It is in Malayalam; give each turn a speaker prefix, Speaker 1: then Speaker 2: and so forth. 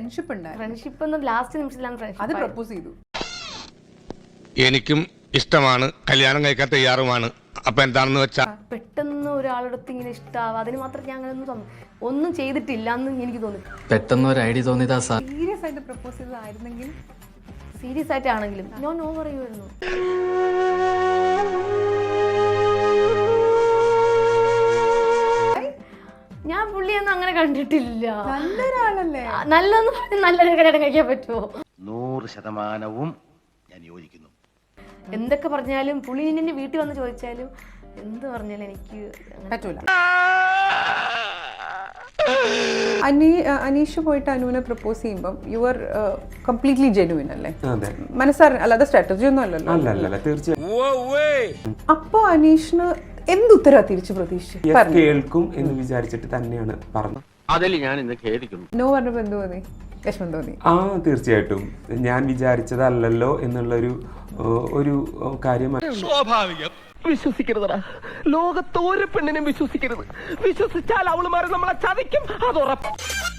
Speaker 1: ഫ്രണ്ട്ഷിപ്പ് ഉണ്ടായിരുന്നു.
Speaker 2: ഫ്രണ്ട്ഷിപ്പ് എന്ന് ലാസ്റ്റ് നിമിഷത്തിലാണ് ഫ്രണ്ട്ഷിപ്പ്.
Speaker 1: അത് പ്രപ്പോസ് ചെയ്തു.
Speaker 3: എനിക്കും ഇഷ്ടമാണ്, കല്യാണം കഴിക്കാൻ തയ്യാറുമാണ്. അപ്പൊ എന്താണെന്ന് വെച്ചാ
Speaker 2: പെട്ടെന്ന് ഒരാളടുത്ത് ഇങ്ങനെ ഇഷ്ടാവുക, അതിന് മാത്രം ഞാൻ അങ്ങനെ ഒന്നും ചെയ്തിട്ടില്ല എന്ന് എനിക്ക് തോന്നി.
Speaker 4: പെട്ടെന്ന് ഒരു ഐഡിയ തോന്നിയതാ സാർ.
Speaker 1: സീരിയസ് ആയിട്ട് പ്രപ്പോസ് ചെയ്തതായിരുന്നെങ്കിൽ,
Speaker 2: സീരിയസ് ആയിട്ടാണെങ്കിലും ഞാൻ നോ പറയുമായിരുന്നു. ഞാൻ പുള്ളിയൊന്നും അങ്ങനെ കണ്ടിട്ടില്ല.
Speaker 1: നല്ലൊരാളല്ലേ?
Speaker 2: നല്ലതെന്ന് പറഞ്ഞ് നല്ലൊരു കല്യാണം കഴിക്കാൻ പറ്റുമോ?
Speaker 5: 100% ഞാൻ യോജിക്കുന്നു.
Speaker 2: എന്തൊക്കെ പറഞ്ഞാലും പുള്ളി എന്നെ വീട്ടിൽ വന്ന് ചോദിച്ചാലും എന്ത് പറഞ്ഞാലും എനിക്ക്
Speaker 1: പറ്റൂല. അനീഷ് പോയിട്ട് അനുവിനെ പ്രപ്പോസ് ചെയ്യുമ്പോൾ യു ആർ കംപ്ലീറ്റ്ലി ജെന്യുവിൻ അല്ലേ? മനസ്സാര അല്ലാതെ സ്ട്രാറ്റജി ഒന്നും അല്ലല്ലോ.
Speaker 6: തീർച്ചയായും.
Speaker 1: അപ്പോ അനീഷിന് എന്തുത്തരാ തിരിച്ചു പ്രതീക്ഷിച്ചു?
Speaker 6: കേൾക്കും എന്ന് വിചാരിച്ചിട്ട് തന്നെയാണ് പറഞ്ഞത്.
Speaker 5: അതിൽ ഞാൻ ഇന്ന് ഖേദിക്കുന്നു.
Speaker 1: നോ പറഞ്ഞപ്പോ എന്ത് തോന്നി? വിഷമം തോന്നി?
Speaker 6: തീർച്ചയായിട്ടും ഞാൻ വിചാരിച്ചതല്ലല്ലോ എന്നുള്ളൊരു ഒരു കാര്യമാണ്.
Speaker 7: സ്വാഭാവികം. വിശ്വസിക്കരുതടാ, ലോകത്ത് ഒരു പെണ്ണിനും വിശ്വസിക്കരുത്. വിശ്വസിച്ചാൽ അവളുമാരെ നമ്മളെ ചതിക്കും, അത് ഉറപ്പ്.